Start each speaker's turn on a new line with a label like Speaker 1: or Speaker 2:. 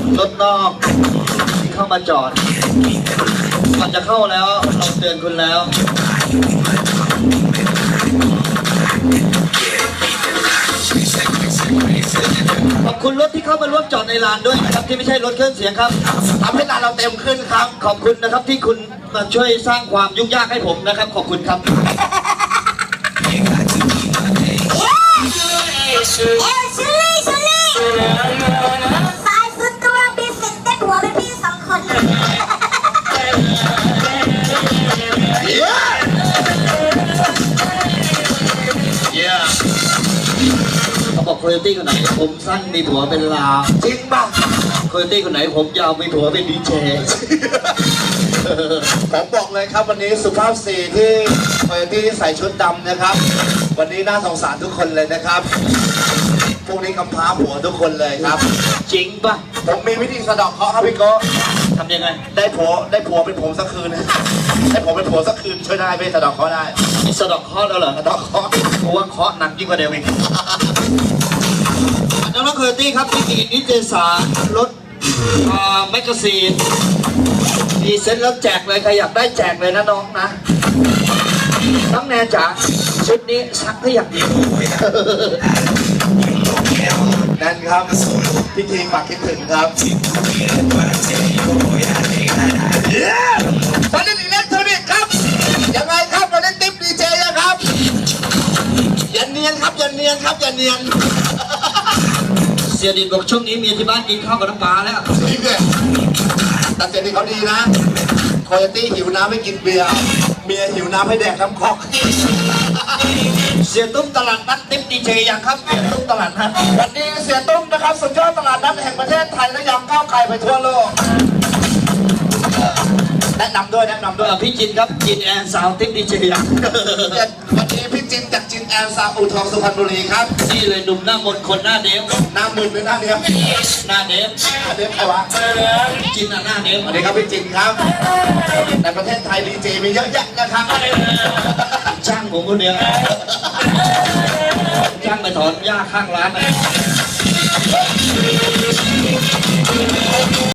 Speaker 1: รถนอกที่เข้ามาจอดก่อนจะเข้าแล้วเราเตือนคุณแล้วขอบคุณรถที่เข้ามาร่วมจอดในลานด้วยนะครับที่ไม่ใช่รถเครื่องเสียงครับทำให้ลานเราเต็มขึ้นครับขอบคุณนะครับที่คุณมาช่วยสร้างความยุ่งยากให้ผมนะครับขอบคุณครับ
Speaker 2: สายสุดตัวบิสิกได้หัวเป็นพี่สองคน
Speaker 1: เขาบอกโคโยตี้คนไหนผมสั้นมีผัวเป็นลาจริงป่ะโคโยตี้คนไหนผมยาวมีผัวเป็นดีเจ
Speaker 3: ผมบอกเลยครับวันนี้สุภาพสตรีที่โคโยตี้ใส่ชุดดำนะครับวันนี้น่าสงสารทุกคนเลยนะครับพวกนี้กำพร้าผัวทุกคนเลยครับ
Speaker 1: จริงป่ะ
Speaker 3: ผมมีวิธีสะดอกเคราะห์ครับพี่โก้
Speaker 1: ทำยังไง
Speaker 3: ได้ผัวเป็นผมสักคืนได้ผัวเป็นผัวสักคืนช่วยได้ไม่สะดอกเคราะห์ได้
Speaker 1: มีสะดอกเคราะห์แล้วเหรอ
Speaker 3: สะดอกเคราะห์
Speaker 1: เพราะว่าเคราะห์หนักยิ่งกว่าเดิมอีกน้องโคโยตี้ครับที่นิตยสารรถแมกกาซีนมีเซ็ตแล้วแจกเลยใครอยากได้แจกเลยนะน้องนะน้องแนนจ๋าชุดนี้ซักได้อย่างดี
Speaker 3: นั่นครับพิธีฝากคิดถึงครับตอนนี้อิเล็กทรอนิกส์ครับยังไงครับเราเล่นติ๊บดีเจนะครับอย่าเนียนครับอย่าเนียนครับอย่าเนียน
Speaker 1: เสียดินบอกช่วงนี้เมียที่บ้านกินข้าวกับน้ำปลาแล้ว
Speaker 3: นี่เนี่ยแต่เสียดินเขาดีนะโคโยตี้หิวน้ำไม่กินเบียร์เมียหิวน้ำให้แดกน้ำคอก
Speaker 1: เสียตุ้มตลาดนัดติ๊บดีเจยังครับเสียตุ้มตลาดนัด
Speaker 3: วันนี้เสียตุ้มนะครับสุดยอดตลาดนัดแห่งประเทศไทยและยังก้าวไกลไปทั่วโลกแนะนำด้วย
Speaker 1: พี่จินครับจินแอนสาวติ๊บดีเจยัง
Speaker 3: วันนี้พี่จินจากจินแอนซาอูทองสุพรรณบุรีครับ
Speaker 1: นี่เลยหนุ่มหน้ามนคนหน้าเดฟ
Speaker 3: หน้ามึนหรือหน้าเดฟ
Speaker 1: หน้าเดฟ
Speaker 3: ใครวะ
Speaker 1: จินหน้าเดฟ
Speaker 3: สวัสดีครับพี่จินครับในประเทศไทยดีเจมีเยอะแยะนะครับ
Speaker 1: ช่างผมคนเดียวช่างไปถอนหญ้าข้างร้าน